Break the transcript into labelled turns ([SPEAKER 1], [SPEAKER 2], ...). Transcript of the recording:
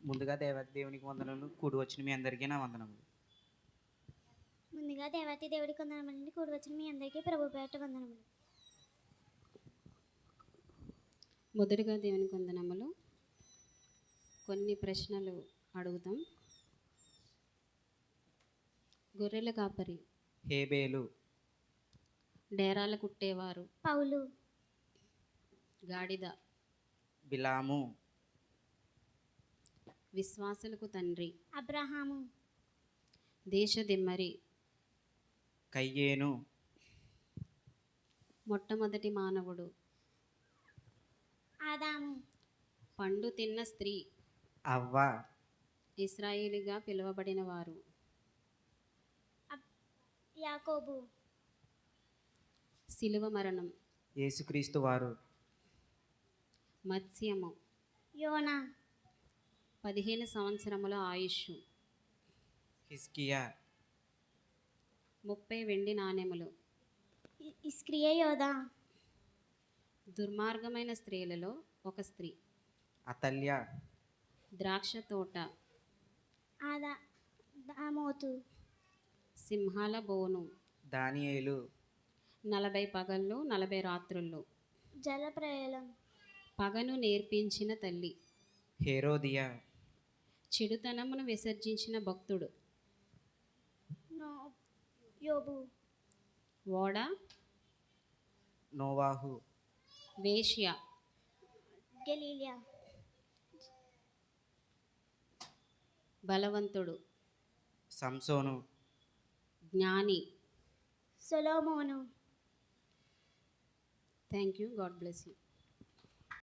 [SPEAKER 1] ముందుగా దేవునికి వందనములు. కూడి వచ్చిన మీ అందరికీ నా వందనములు.
[SPEAKER 2] ముందుగా దేవుడికి వందనములండి. కూడి వచ్చిన మీ అందరికీ ప్రభు పేరిట వందనములు.
[SPEAKER 3] మొదటిగా దేవునికి వందనములు. కొన్ని ప్రశ్నలు అడుగుతాం. గొర్రెల కాపరి
[SPEAKER 1] హేబేలు.
[SPEAKER 3] డేరాల కుట్టేవారు
[SPEAKER 2] పౌలు.
[SPEAKER 3] గాడిద
[SPEAKER 1] బిలాము.
[SPEAKER 3] విశ్వాసులకు తండ్రి
[SPEAKER 2] అబ్రహాము.
[SPEAKER 3] దేశదిమ్మరి
[SPEAKER 1] కయ్యేను.
[SPEAKER 3] మొట్టమొదటి మానవుడు
[SPEAKER 2] ఆదాము.
[SPEAKER 3] పండు తిన్న స్త్రీ
[SPEAKER 1] అవ్వ.
[SPEAKER 3] ఇశ్రాయేలుగా పిలువబడిన వారు
[SPEAKER 2] యాకోబు.
[SPEAKER 3] శిలువ మరణం
[SPEAKER 1] యేసుక్రీస్తు వారు.
[SPEAKER 3] మత్స్యము
[SPEAKER 2] యోనా.
[SPEAKER 3] 15 సంవత్సరముల ఆయుష్
[SPEAKER 1] హిజ్కియా.
[SPEAKER 3] 30 వెండి నాణెములు
[SPEAKER 2] ఇస్క్రియ యోధా.
[SPEAKER 3] దుర్మార్గమైన స్త్రీలలో ఒక స్త్రీ
[SPEAKER 1] అతల్య.
[SPEAKER 3] ద్రాక్ష తోట
[SPEAKER 2] దామోతు.
[SPEAKER 3] సింహాల బోను
[SPEAKER 1] దానియేలు.
[SPEAKER 3] 40 పగళ్ళు 40 రాత్రుళ్ళు
[SPEAKER 2] జలప్రయాలం.
[SPEAKER 3] పగను నేర్పించిన తల్లి
[SPEAKER 1] హేరోదియా.
[SPEAKER 3] చెడుతనమును విసర్జించిన భక్తుడు
[SPEAKER 2] యోబు.
[SPEAKER 3] ఓడ
[SPEAKER 1] నోవాహు.
[SPEAKER 3] వేశ్య
[SPEAKER 2] గలీలియా.
[SPEAKER 3] బలవంతుడు
[SPEAKER 1] సంసోను.
[SPEAKER 3] జ్ఞాని.
[SPEAKER 2] సొలొమోను.
[SPEAKER 3] Thank you. God bless you.